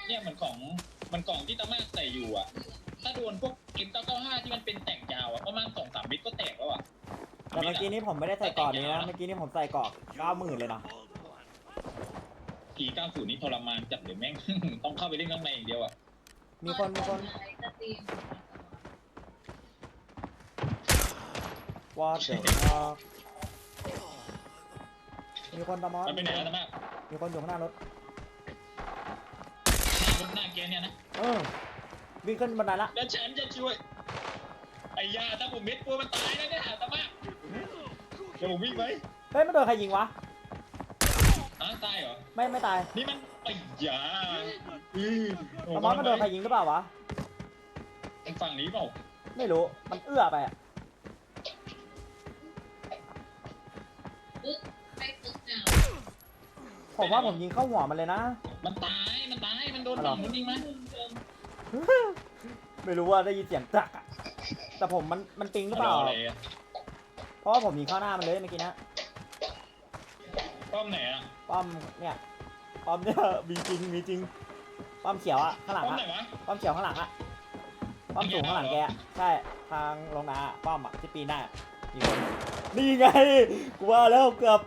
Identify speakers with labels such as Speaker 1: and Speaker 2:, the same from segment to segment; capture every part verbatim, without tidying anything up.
Speaker 1: เนี่ยเหมือนของมันกล่องที่ตะมากใส่อยู่อ่ะถ้าโดนพวก เอ็ม เก้า เก้า ห้า ที่มันเป็นแต่งยาวอ่ะประมาณสองสามเมตรก็แตกแล้วอ่ะ
Speaker 2: แต่เมื่อกี้นี้ผมไม่ได้ใส่กรอบนี้นะเมื่อกี้นี้ผมใส่กรอบเก้าหมื่นเลยนะ
Speaker 1: ทีเก้าสิบนี่ทรมานจัดเลยแม่ง ต้องเข้าไปเล่นข้างในอย่างเดียวอ่ะ
Speaker 2: มีคนมีคนวอเตอร์มีคนตะมอส
Speaker 1: มันไปไหนแล้วตะมาก
Speaker 2: มีคนอยู่ข้างหน้ารถ
Speaker 1: รถหน้าแกเนี่ยนะ
Speaker 2: เออวิ่งขึ้นบันไดละ
Speaker 1: แล้วฉันจะช่วยไอ้ยาถ้าผมเม็ดกลัวมันตายแล้วเนี่ยตะมากเดี๋ยวผมวิ่งไป
Speaker 2: เฮ้ยไม่โดนใครยิงวะ
Speaker 1: ฮะตายเหรอ
Speaker 2: ไม่ไม่ตาย
Speaker 1: นี่มันไอ้ยาอือ
Speaker 2: ตะมอสมันโดนใครยิงหรือเปล่าวะ
Speaker 1: ฝั่งนี้เปล่า
Speaker 2: ไม่รู้มันเอื้อไปอะผมว่าผมยิงเข้าหัวมันเลยนะ
Speaker 1: มันตายมันตายมันโดนฝั่งนู้นยิงไหม
Speaker 2: ไม่รู้ว่าได้ยินเสียงจักอะแต่ผมมันมันปิงหรือเปล่า
Speaker 1: อะไรอะ
Speaker 2: เพราะว่าผมยิงเข้าหน้ามันเลยเมื่อกี้นะ
Speaker 1: ป้อมไหนอะ
Speaker 2: ป้อมเนี่ยป้อมเนี่ยมีจริงมีจริงป้อมเขียวอะข้างหลัง
Speaker 1: ป้อม
Speaker 2: อะ
Speaker 1: ไหนวะ
Speaker 2: ป้อมเขียวข้างหลังอะป้อมสูงข้างหลังแกใช่ทางลงนาป้อมอะที่ปีนได้มีคนนี่ไงกูว่าแล้วเกือบ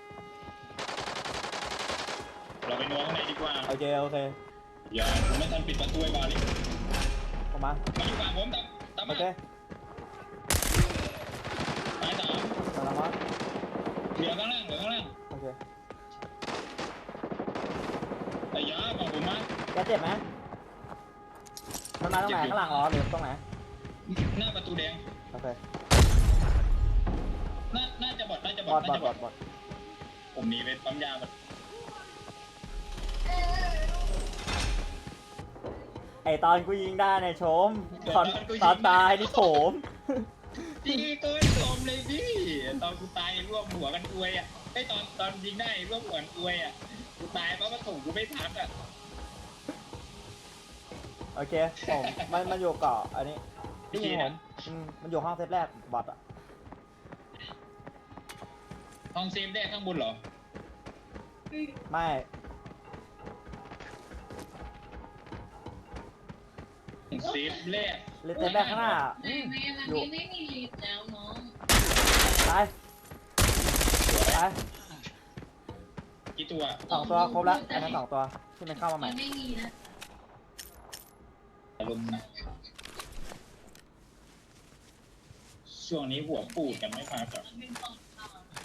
Speaker 1: เราไปนัวข้างในดีกว่า
Speaker 2: โอเคโอเค
Speaker 1: อย่าผมไม่ทันปิดประตูไอ้บาลิ
Speaker 2: ออกมา
Speaker 1: มาอยู่ฝั่งผมตามตาม
Speaker 2: โอ
Speaker 1: มา
Speaker 2: เค
Speaker 1: ตายสาม
Speaker 2: ตามมา
Speaker 1: เหลือข้างล่างเหลือข้างล่าง
Speaker 2: โอเค
Speaker 1: ไอ้ยาฝั่งผมมา
Speaker 2: แกเจ็บไหมมันมาตรงไหนข้างหลังเหรอหรือตรงไหน
Speaker 1: หน้าประตูแดง
Speaker 2: โอเค
Speaker 1: น่าน่าจะบอดน่าจะบบ อ
Speaker 2: อ
Speaker 1: ด
Speaker 2: ด
Speaker 1: น่า
Speaker 2: บอด
Speaker 1: จะ
Speaker 2: บบ อ
Speaker 1: อ
Speaker 2: ด
Speaker 1: ด
Speaker 2: บอด
Speaker 1: ผมหนีไปปั๊มยาหมด
Speaker 2: ไอตอนกูยิงได้เนี่ยโฉมตอนตอนตายนี่โฉม
Speaker 1: พี่ก็ชมเลยพี่ตอนกูตายร่วมหัวกันอวยอ่ะไอ้ตอนตอนยิงได้ร่วมหัวกันอวยอ่ะกูตายเพราะว่าถูกกูไม่พักอ่ะ
Speaker 2: โอเคผมมันมันอยู่เกาะอันนี้ที่ยิงผมอืมมันอยู่ห้องเซฟแรกบอดอะ
Speaker 1: ห้องเซฟได้ข้างบนเหรอ
Speaker 2: ไม่
Speaker 1: เซฟแรก
Speaker 2: เลเซฟแรกข้างหน้า
Speaker 3: ไม่ไม่มันนี้ไม่มีลิฟต์แล้วน้อง
Speaker 2: ตายตาย
Speaker 1: กี่ตัว
Speaker 2: สองตัวครบแล้วอันนั้นสองตัวที่มันเข้ามาใหม่
Speaker 3: มันไม่มีนะ
Speaker 1: อารมณ์นะช่วงนี้หัวปูดกันไม่พักอ่ะ
Speaker 3: มันเป็นของเขา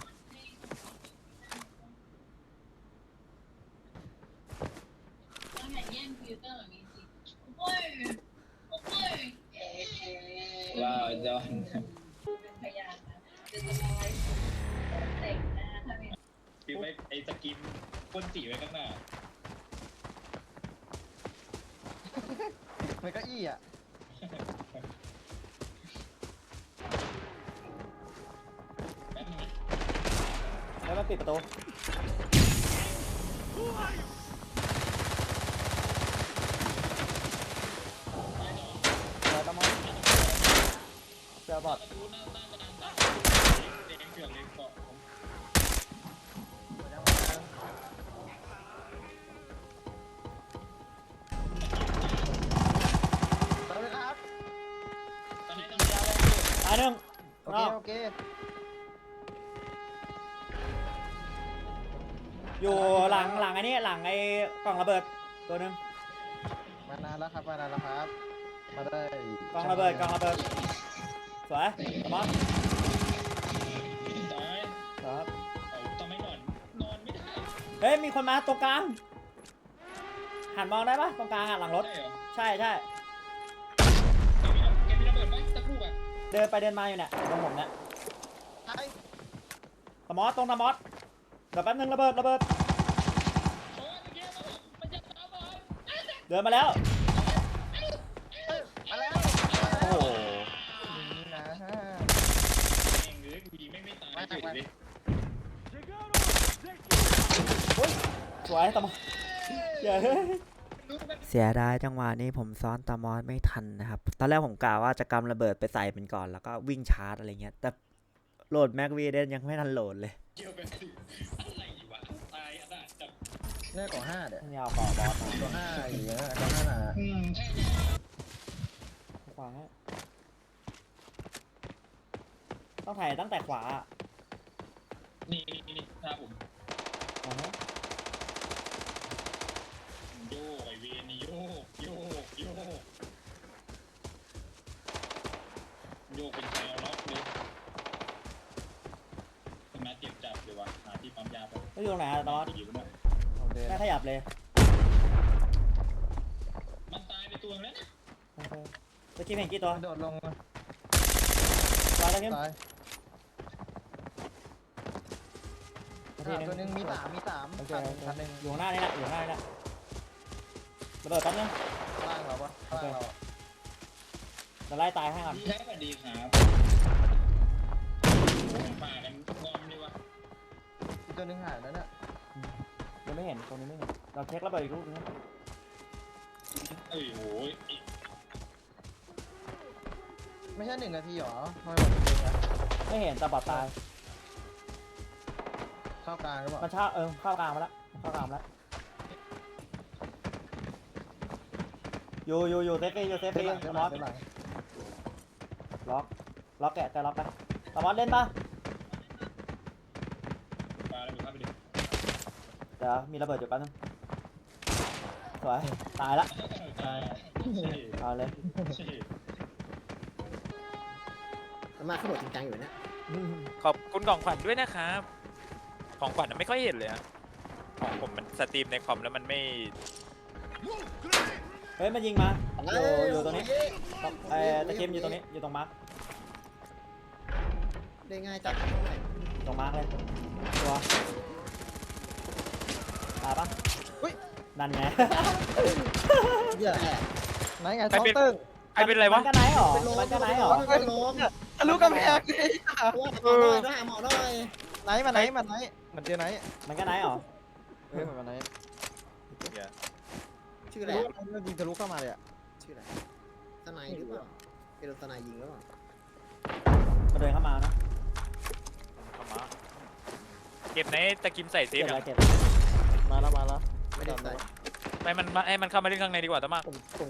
Speaker 3: ต้องอย่าแย่งฟิลเตอร์แบบนี้สิโอ้ยโอ้ย
Speaker 1: ว่าจะ
Speaker 3: เป็นพยานนะจะทำอะไรแต่งหน้าทำไม
Speaker 1: คือไปไอ้สกินพ่นสีไว้ข้างหน้า
Speaker 4: มันก็อี้อ่ะ
Speaker 1: แป๊บนึงนะ
Speaker 2: แล้วมันปิดประตูเจอตะมอนเจอบอด
Speaker 1: ประตูหน้าหน้ากระดานตาแดงเถื่อนเลยเกาะผม
Speaker 4: สวัสดีครับ
Speaker 1: ตอนนี้ต้องยาวเลย
Speaker 2: ตายหนึ่ง
Speaker 4: โอเค โอเค
Speaker 2: อยู่หลังหลังอันนี้หลังไอ้กล่องระเบิดตัวหนึง
Speaker 4: มานานแล้วครับ มานานแล้วครับ มาได้
Speaker 2: กล่องระเบิดกล่องระเบิดสวยตะมอน
Speaker 1: ตาย
Speaker 2: ครับ
Speaker 1: เอาทำไมนอนนอนไม่ได้
Speaker 2: เฮ้ยมีคนมาตรงกลางหันมองได้ปะตรงกลางอ่ะหลังรถ
Speaker 1: ได้เหรอ
Speaker 2: ใช่ใช่
Speaker 1: แกมีระเบิดไหมตะคุกอ่ะ
Speaker 2: เดินไปเดินมาอยู่เนี่ยตรงผมเนี่ย
Speaker 4: ไอ้
Speaker 2: ตะมอสตรงตะมอสเดี๋ยวแป๊บนึงระเบิดระเบิด
Speaker 1: โอ้ยเมื่อกี้มันจะตามมา
Speaker 2: เดินมาแล้ว
Speaker 4: เอ้ยมาแล้ว
Speaker 2: โอ้โห
Speaker 4: นี่นะฮะ
Speaker 1: เองเลยกูยิงไม่ไม่ตายเฉยเลย
Speaker 2: สวยตะมอสเย้เสียดายจังหวะนี้ผมซ้อนตะมอสไม่ทันนะครับตอนแรกผมกะว่าจะกำระเบิดไปใส่มันก่อนแล้วก็วิ่งชาร์จอะไรเงี้ยแต่โหลดแม็กวีเดนยังไม่ทันโหลดเลย
Speaker 1: เกี่ยวกันสิอะไรวะตายอ่ะนะจับ
Speaker 4: เนี่ยก่อห้าเดี๋ยว
Speaker 2: ไม่เอาก่อบอสมา
Speaker 4: ก่อห้าอย่างเงี้ยก่อห้าหนา
Speaker 1: อืมใช่
Speaker 2: ขวาต้องถ่ายตั้งแต่ขวาอะ
Speaker 1: นี่นี่นี่ถ้าผม
Speaker 2: อ่าฮะ
Speaker 1: โยกไอเวนนี่โยกโยกโยกโยกเป็นแนวล็อกเลยทำไมเจ็บจับเลยวะหาที่ปั๊มยาไป
Speaker 2: ไม่อยู่ตรงไหนอะตอน
Speaker 1: อยู่นะ
Speaker 4: เอาเดิน
Speaker 2: แค่ขยับเลย
Speaker 1: มันตายไปตัวแล้วนะ
Speaker 2: โอเคตะกี้เห็นกี่ตัว
Speaker 4: มันโดดลง
Speaker 2: ตายตะกี้
Speaker 4: ตาย
Speaker 2: นาที
Speaker 4: อ่ะ
Speaker 2: หนึง
Speaker 4: ตัวหนึงมีสามมีสาม
Speaker 2: โอเค
Speaker 4: คัน
Speaker 2: โอเค
Speaker 4: คันหนึ่ง
Speaker 2: อยู่ข้างหน้านี่แหละอยู่ข้างหน้านี่แหละระเบิดแป๊บนึง
Speaker 4: ข้างล่างเราปะข้างล่างเรา
Speaker 2: จะไล่ตายให้ก่อน
Speaker 1: ดีครับสวัสดีครับป่ากันงอมดีวะ
Speaker 4: อีกตัวหนึงหายแล้วเนี่ย
Speaker 2: ยังไม่เห็นตรงนี้ไม่เห็นเราเช็คระเบิดอีกรูปนึง
Speaker 1: เอ้ยโหย
Speaker 4: ไม่ใช่หนึ่งนาทีหรอทำไมมันเป็นอย่างเงี้ย
Speaker 2: ไม่เห็นแต่บอดตาย
Speaker 4: เข้ากลางหรือเปล่า
Speaker 2: มันชาเออเข้ากลางมาแล้วมันเข้ากลางมาแล้วอยู่อยู่อยู่เซฟฟรีอยู่เซฟฟ
Speaker 4: เดิ
Speaker 2: รี
Speaker 4: นหลังเดินห
Speaker 2: ม
Speaker 4: ลั
Speaker 2: อง ส
Speaker 4: เดินหลัง
Speaker 2: ล็อกล็อกแกะแต่ล็อกไปตามอสเล่นปะ
Speaker 1: ป่าแล้วดูครับไปดิ
Speaker 2: เดี๋ยวมีระเบิดอยู่แป๊บนึงสวยตายละ
Speaker 1: ตาย
Speaker 2: เอาเลย
Speaker 5: มันมาขบวนจริงจังอยู่เนี่ย
Speaker 6: ขอบคุณของขวัญด้วยนะครับ ของขวัญไม่ค่อยเห็นเลยอะของผมมันสตรีมในคอมแล้วมันไม่
Speaker 2: เฮ้ยมันยิงมาอยู่อยู่ตรงนี้เอ้ตะเกมอยู่ตรงนี้อยู่ตรงมาร์ค
Speaker 5: ได้ง่ายจัง
Speaker 2: ตรงมาร์คเลยตัวตายปะ
Speaker 4: อุ้ย
Speaker 2: นั่นไง
Speaker 5: เยอะแอบ
Speaker 4: ไหนไงท้องตึ้ง
Speaker 6: ใครเป็นไรวะ
Speaker 2: มันก็ไหนหรอมันก็ไหนหรอ
Speaker 5: เป็นลม
Speaker 4: ทะลุกำแพงเลย
Speaker 5: ว่าหมอหน่อยต้องหาหมอหน่อย
Speaker 4: ไหนมาไหนมาไหนมันเจอไหน
Speaker 2: มันก็ไหนหรอ
Speaker 4: เฮ้ยมันมาไหน
Speaker 5: ชื่อ
Speaker 4: ทะ
Speaker 5: อะไร
Speaker 4: ลุมันยิงทะลุเข้ามาเลยอ่ะ
Speaker 5: ชื่ออะไรสไนหรือเปล่าเป็นสไนยิงหรือเปล่า
Speaker 2: มันเดินเข้ามานะ
Speaker 6: เข้ามาเก็บในตะกิมใส่เซ
Speaker 2: เก็
Speaker 6: ฟ
Speaker 2: บอะไร
Speaker 6: อะ
Speaker 2: เก็บ
Speaker 4: มาแล้วมาแล้ว
Speaker 5: ไม่ได้ใส่
Speaker 6: ไปมันมาให้มันเข้ามาเล่นข้างในดีกว่าตะมาก
Speaker 5: ผมผม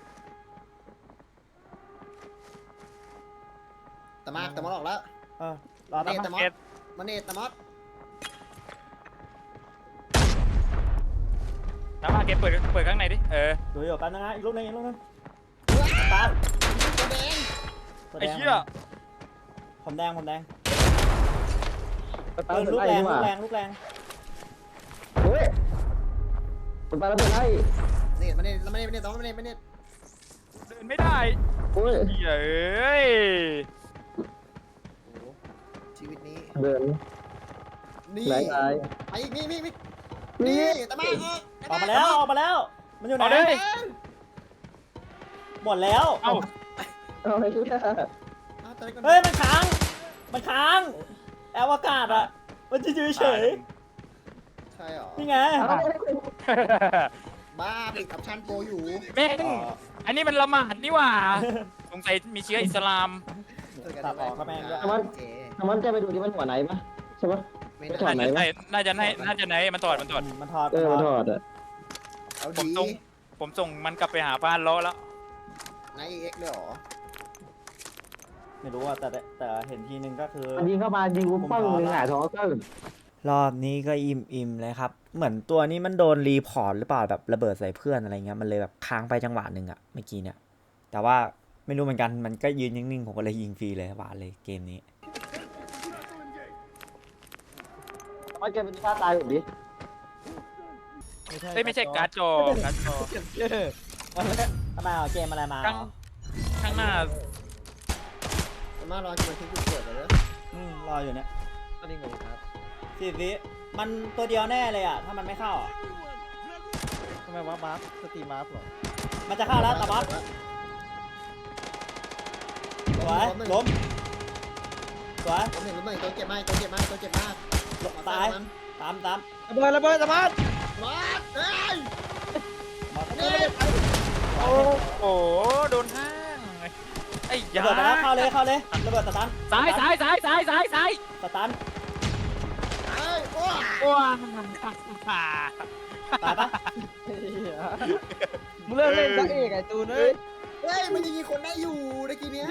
Speaker 5: ตะมากตะมอดออกแล้ว
Speaker 2: เออรอ
Speaker 5: เน
Speaker 2: ตาม
Speaker 5: ต
Speaker 2: มา
Speaker 5: ตะมอดมาเนตตะมอด
Speaker 6: ตะมากเก็บเปิดเปิดข้างในดิเออ
Speaker 2: ดูอยู่แป๊บนึงนะอีกลูกนึงอีกลูกนึงตาม
Speaker 5: ตัวแดง
Speaker 2: ตัวแด
Speaker 6: ไอ้
Speaker 2: ง
Speaker 6: เหี้ย
Speaker 2: ผมแดงผมแดงเออลูกแรงลูกแรงลูกแรง
Speaker 4: มันไปแล้วเป็นไง
Speaker 5: เนตมาเนตแล้วมาเนตมาเนตตะมอดมาเนตมาเนต
Speaker 6: เดินไม่ได้เฮ้ยเอ้ย
Speaker 5: โอ้ชีวิตนี้
Speaker 4: เดิน
Speaker 5: นี่
Speaker 4: ไหนไง
Speaker 5: ไปอีกนี่นี่นี่ตะมาก
Speaker 2: ออกมาแล้วออกมาแล้ว มันอยู่ไหน
Speaker 6: เอาเลย
Speaker 2: หมดแล้ว
Speaker 6: เอ้า
Speaker 4: เอาอะไรกูเนี่ย
Speaker 2: เฮ้ยมันค้างมันค้างแอวอากาศอะมันจะอยู่เฉย
Speaker 5: ใช่หรอ
Speaker 2: นี่ไง
Speaker 5: บ้าปิดกับชันโปรอยู่
Speaker 6: แม่งอันนี้มันละหมาดนี่หว่าสงสัยมีเชื้ออิสลาม
Speaker 2: ตัดออกก็แม่งด้วย
Speaker 5: เจ๊
Speaker 7: มันจะไปดูที่มันหัวไหนปะใช่ปะ
Speaker 5: ไม่
Speaker 7: ถอ
Speaker 5: ได้
Speaker 7: ดไหน
Speaker 6: น่าจะไหนน่าจะไหนน่าจะไหนมันถอดมันถอด
Speaker 2: มันถอด
Speaker 7: เออมันถอดอ่ะ
Speaker 5: เอา
Speaker 6: ผม
Speaker 5: ดี
Speaker 6: ส่งผมส่งมันกลับไปหาบ้านล้อแล้ว
Speaker 5: นายเอ็กเลยหรอ
Speaker 2: ไม่รู้อะแต่แต่เห็นทีนึงก็คือ
Speaker 7: มันยิงเข้ามายิงกูปึ้งหนึ่งหงายท้องตึ้ง
Speaker 2: รอบนี้ก็อิ่มอิ่มเลยครับ เหมือนตัวนี้มันโดนรีพอร์ตหรือเปล่าแบบระเบิดใส่เพื่อนอะไรเงี้ยมันเลยแบบค้างไปจังหวะหนึ่งอะเมื่อกี้เนี่ยแต่ว่าไม่รู้เหมือนกันมันก็ยืนนิ่งๆผมก็เลยยิงฟรีเลยหวานเลยเกมนี้
Speaker 7: มันจะเป็นท่าตายแบบนี้
Speaker 6: เอ้ยไม่ใช่การ์ดจอการ์ดจอ
Speaker 2: ทำไมเอาเกมอะไรมา
Speaker 6: ข้างข้างหน้า
Speaker 5: แต่มารอจะมาทิ้งจุดเกิดเลย
Speaker 2: อืมรออยู่เนี่ย
Speaker 4: ก็นิ่งเลยครับ
Speaker 2: สิบวิมันตัวเดียวแน่เลยอะถ้ามันไม่เข้าอะ
Speaker 4: ทำไมวะมาร์คสตรีมาร์คหรอ
Speaker 2: มันจะเข้าแล้วตาบัสสวยล้มสวย
Speaker 5: ผมเห็นล้มหนึ่งตัวเจ็บมากตัวเจ็บมากตัวเจ็บมาก
Speaker 2: ตายตามตาม
Speaker 4: ระเบิดระเบิดสมาร์ท
Speaker 5: มาเฮ้ย
Speaker 2: มา
Speaker 5: นี่
Speaker 6: โอ้โหโดนห้างไอ้
Speaker 2: ระ
Speaker 6: ยา
Speaker 2: เบิดไปแล้วเข้าเลยเข้าเลยระเบิดสตัน
Speaker 6: ซ้ายซ้ายซ้ายซ้ายซ้ายซ้าย
Speaker 2: สตัน
Speaker 5: เฮ้ยโอ้
Speaker 6: ว้า
Speaker 2: ตายปะ
Speaker 4: มึงเลิกเล่นซะเอกไอ้ตูนเอ้ย
Speaker 5: เฮ้ยมันยังยิงคนได้อยู่ตะกี้เนี้ย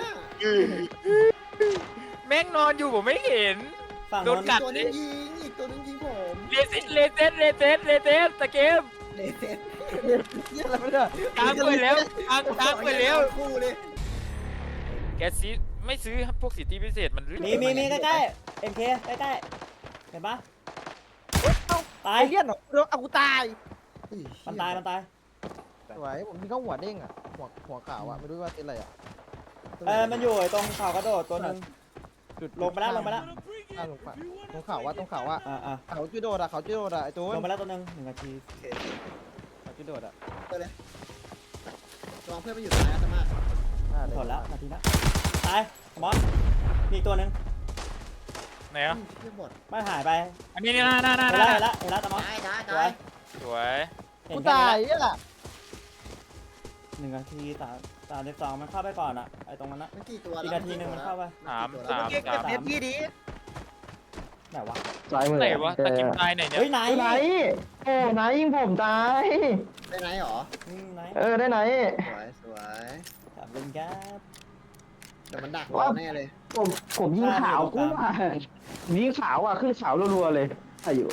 Speaker 6: แม่งนอนอยู่ผมไม่เห็น
Speaker 2: ฝั่ง
Speaker 6: โด
Speaker 2: โน้
Speaker 6: น
Speaker 2: น
Speaker 6: กัด
Speaker 5: ตัวนึงยิงอีกตัวนึงยิงผม
Speaker 6: เลเซตเลเซตเลเซตเลเซตตะเกม
Speaker 5: เลเซน
Speaker 4: เหี้ยอะไรไม่ได้
Speaker 6: ตามไปแล้วตามตามไปแล้ว
Speaker 5: คู่เลย
Speaker 6: แกซื้อไม่ซื้อพวกสิทธิพิเศษมันหรือ
Speaker 2: มีมีมีใกล้ๆเอ็มเคใกล้ๆเห็นปะตาย
Speaker 4: ไอ้เหี้ยหนอเดี๋ยวเอากูตาย
Speaker 2: มันตายมันตาย
Speaker 4: สวยผมยิงเข้าหัวเด้งอ่ะหัวหัวขาวอ่ะไม่รู้ว่าเป็นอะไรอ่ะ
Speaker 2: เออมันอยู่ไอ้ตรงเขากระโดดตัวหนึง
Speaker 4: จุด
Speaker 2: ลงไปแล้วลงไปแล้ว
Speaker 4: อ่าลงไปตรงเขาว่าตรงเขาว่า
Speaker 2: อ่าอ่า
Speaker 4: เขาจุดโดดอ่ะเขาจุดโดดอ่ะไอ้ตูน
Speaker 2: ลงไปแล้วตัวหนึงหนึ่งนาที
Speaker 5: โอเค
Speaker 4: เขาจุดโดดอ่ะ
Speaker 5: ไปเลยระวังเพื่อนไปอยู่ตรงนั้นจะมาก
Speaker 4: อ่าเดี๋ย
Speaker 2: ถอดแล้วนาทีนะตายมอสมีอีกตัวหนึง
Speaker 6: ไหนอ่ะ
Speaker 5: เพื่อนบด
Speaker 2: มันหายไป
Speaker 6: อันนี้นี่น่าน่าน่า
Speaker 2: เห็น
Speaker 6: น่า
Speaker 2: แล้วเห็นแล้วเห็นแล้วตามอส
Speaker 5: ตายตาย
Speaker 2: ส
Speaker 5: ตา
Speaker 2: วย ย
Speaker 6: สวย
Speaker 2: เห็
Speaker 4: กู
Speaker 2: นแค่
Speaker 4: ตาย
Speaker 2: นี้
Speaker 4: เนี่ยแหละ
Speaker 2: หนึ่งนาทีสามสามสิบสองมันเข้าไปก่อนอะไอ้ตรงนั้นนะ
Speaker 5: มันกี่ตัว
Speaker 2: อีกนาทีหนึงมันเข้าไป
Speaker 6: สามสาม
Speaker 4: เก็บ
Speaker 6: สาม
Speaker 4: เก็บพี่ดิ
Speaker 2: ไหนวะ
Speaker 7: ซ้ายมือ
Speaker 6: ไหนวะตะกิมตายไหนเนี่ย
Speaker 2: เฮ้ยไหน
Speaker 7: ไหนโอ้ไหนยิงผมตาย
Speaker 5: ได้ไหนหรอ
Speaker 2: อืมไหน
Speaker 7: เออได้ไหน
Speaker 5: สวยสวย
Speaker 2: ขอบคุณครับ
Speaker 5: เดี๋ยวมันดักเราแน่เลย
Speaker 7: ผมผมยิงขาวกูอ่ะยิงขาวอ่ะขึ้นขาวรัวๆเลยอายุ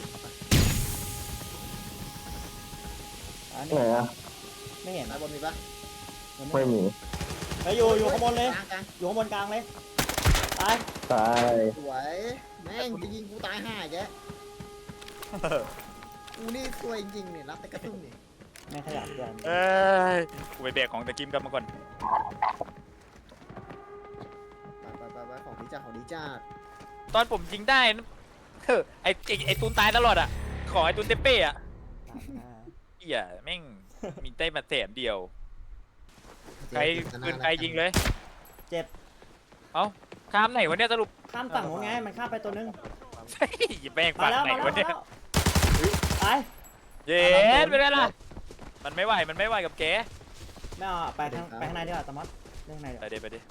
Speaker 2: อัน
Speaker 7: ไห
Speaker 2: นี้
Speaker 7: นอ่ะ
Speaker 2: ไม่เห็น
Speaker 5: ตายบนมีปะ
Speaker 2: มัน
Speaker 7: ไม่มี
Speaker 2: เฮ้ยอยู่อยู่ข้างบนเลย
Speaker 5: กลางกลาง
Speaker 2: อยู่ข้างบนกลางเลยตาย
Speaker 7: ตาย
Speaker 5: สวยแม่งจะยิงกูตายห่าแกกูนี่สวยจริงๆเนี่ยรับแต่กระตุ้นนี่
Speaker 2: ไม่ขยับเกิน
Speaker 6: เอ้ยกูไปแบกของตะกิมกลับมาก่อน
Speaker 5: ไปไปไปของดีจ้าของดีจ้า
Speaker 6: ตอนผมยิงได้นะเฮ้อไอไอ้ไอตูนตายตลอดอ่ะขอไอตูนเตเป้อะ
Speaker 2: อ่า
Speaker 6: เหี้ยแม่งมีได้มาแสนเดียวใครปืนใครยิงเลย
Speaker 2: เจ็บ
Speaker 6: เอ้าข้ามไหนวะเนี่ยสรุป
Speaker 2: ข้ามฝั่งโน้นไงมันข้ามไปตัวนึง
Speaker 6: ใช่แม่ง
Speaker 2: มา
Speaker 6: ฝั่ง
Speaker 2: แล้ว
Speaker 6: ไหน
Speaker 2: มาแล้ว
Speaker 6: วะ
Speaker 2: มา
Speaker 6: เนี่ย
Speaker 2: แล้วตาย
Speaker 6: เย็ดไปได้ละมันไม่ไหวมันไม่ไหวกับแก
Speaker 2: ไม่เอาไปข้างไปข้างในดีกว่าตามอสเรื่องข้างในดีก
Speaker 6: ไป
Speaker 2: ว่า
Speaker 6: เดี๋ยวไปดิ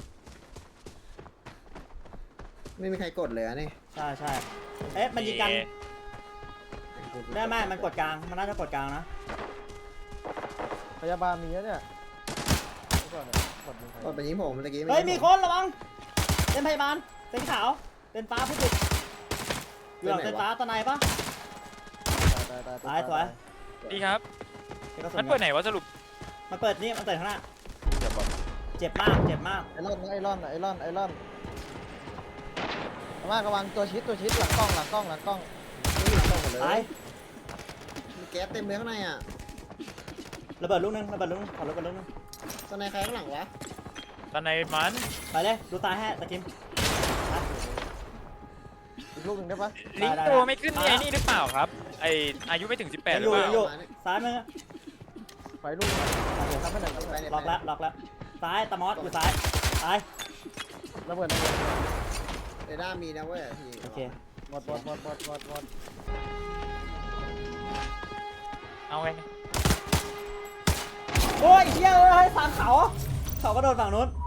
Speaker 5: ไม่มีใครกดเลยอะนี่
Speaker 2: ใช่ใช่เอ๊ะมันยิงกันได้ไหมมันกดกลางมันน่าจะกดกลางนะ
Speaker 4: พยาบาลมีแล้วเนี่ยเมื่อก่อนเนี่ยกดยิงใคร
Speaker 5: กดไปยิงผมเมื่อกี้
Speaker 2: เฮ้ยมีคนระวังเป็นพยาบาลเป็นขาวเป็นฟ้าผู้ผิดอยู่หลังเป็นฟ้าตะไนปะ
Speaker 4: ตายตาย
Speaker 2: ตายสวย
Speaker 6: ดีครับ
Speaker 2: เก็บกระสุ
Speaker 6: มัน
Speaker 2: น
Speaker 6: เปิดไหนวะสรุป
Speaker 2: มันเปิดนี่มันเปิดข้างหน้า
Speaker 6: เดี๋ยวบอก
Speaker 2: เจ็บมากเจ็บมาก
Speaker 4: ไอรอนไอรอนไอรอนไอรอนระวังระวังตัวชิดตัวชิดหลังกล้องหลังกล้องหลังกล้อง
Speaker 5: ไม่มีตรงหมดเลย
Speaker 2: ตาย
Speaker 5: มีแก๊สเต็มเลยข้างในอ่ะ
Speaker 2: ระเบิดลูกนึงระเบิดลูกนึงขอระเบิดลูกนึง
Speaker 5: ตอนในใครข้างหลังวะ
Speaker 6: ตอนในมัน
Speaker 2: ไปเลยดูตายให้ตะกิม
Speaker 4: อีกลูกหนึ่งได้ปะ
Speaker 6: ลิงก์ตัวไม่ขึ้นนี่ไอ้นี่หรือเปล่าครับไออายุไม่ถึงสิบแปด
Speaker 2: ยัง
Speaker 6: ห
Speaker 2: อ
Speaker 6: รือยู่ เป
Speaker 2: ยั
Speaker 6: ล่าง
Speaker 2: อยู่ซ้ายมือ
Speaker 4: ไฟลูกหนึ่งทำให้หน่อยทำให้หน่อย
Speaker 2: ล็อกแล้วล็อกแล้วซ้ายตะมอสอยู่ซ้ายตาย
Speaker 4: ระเบิดระเบิด
Speaker 5: เรดาร์มีนะเว้ยพี่
Speaker 2: โอเค
Speaker 4: หมดหมดหมดหมดหมดหมด
Speaker 6: เอาไง
Speaker 2: โอ้ยเฮียเอ้ยสามเขาเขาก็โดนฝั่งนู้น